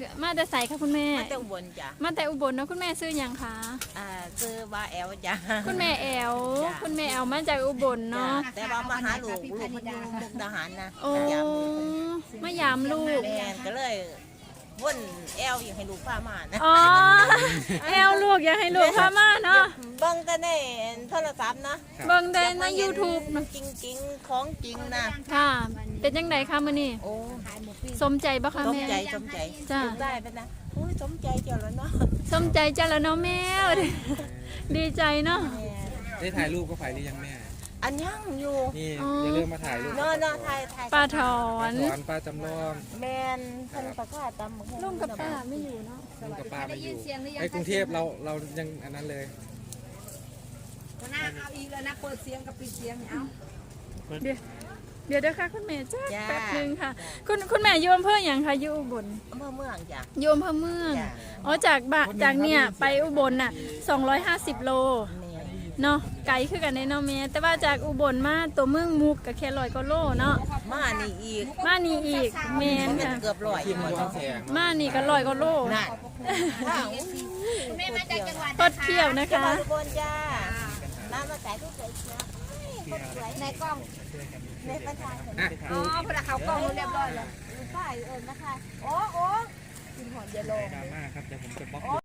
มาแต่ใส่ค่ะคุณแม่มาแต่อุบลจ้ะมาแต่อุบลเนาะคุณแม่ซื้อหยังคะซื้อว่าแอลจ้ะคุณแม่แอลจ้ะคุณแม่แอลมาจากอุบลจ้ะเนาะแต่ว่ามาหาลูกมันอยู่มุกดาหารนะโอ้มายามลูกแม่ก็เลยว่นแอลอยากให้ลูกพามานะอ๋อแอลลูกอยากให้ลูกพามาเนาะเบิ่งกันในโทรศัพท์นะเบิ่งได้ใน YouTube เนาะจริงๆของจริงนะค่ะ เป็นจังไดคะมื้อนี้โอ้สมใจบ่คะสมแม่ใจสมใจจ้ะได้ไปนะโอ้ยสมใจเจ้าแล้วเนาะสมใจจ้ะละเนาะแม่ดีใจเนาะแม่ได้ถ่ายรูปก็ถ่ายหรือยังแม่อันยังอยู่นี่อ๋อออย่าลืมมาถ่ายรูปเนาะเนาะถ่ายปลาถอป้าน ถอนป้าจำลองแมนท่านประกาศตามลุงกับป้าไม่อยู่เนาะลุงกับป้ามาอยู่ไอ้กรุงเทพเรายังอันนั้นเลยหน้าเอาอีกแล้วนะเปิดเสียงกับปิดเสียงเนี่ยเอาเดี๋ยวค่ะคุณแม่จ้าแป๊บนึงค่ะ คุณแม่อยู่อำเภออย่างค่ะอยู่อุบลอำเภอเมืองจ้ะอยู่อำเภอเมืองจ้ะอ๋อจากเนี่ยไปอุบลน่ะ250 โลแม่เนาะไกลคือกันในเนาะแม่แต่ว่าจากอุบลมาตัวเมืองมุกก็แค่100กว่าโลเนาะมานี่อีกมานี่อีกแม่นมันค่ะเกือบร้อยทีมหมดย้อนแสงมานี่ก็100กว่าโลนั่นว้าวแม่มาจากจังหวัดทดเที่ยวนะจังหคะวัดอุบลจ้ามาแต่ทุกคนเชียวคนสวยในกล้องในประชาชนอ่ะอ๋อพอเขากล้องเรียบร้อยแล้วป้ายนะคะโอ้กินหอมเยลโลดราม่าครับเดี๋ยวผมจะบล็อกโอ้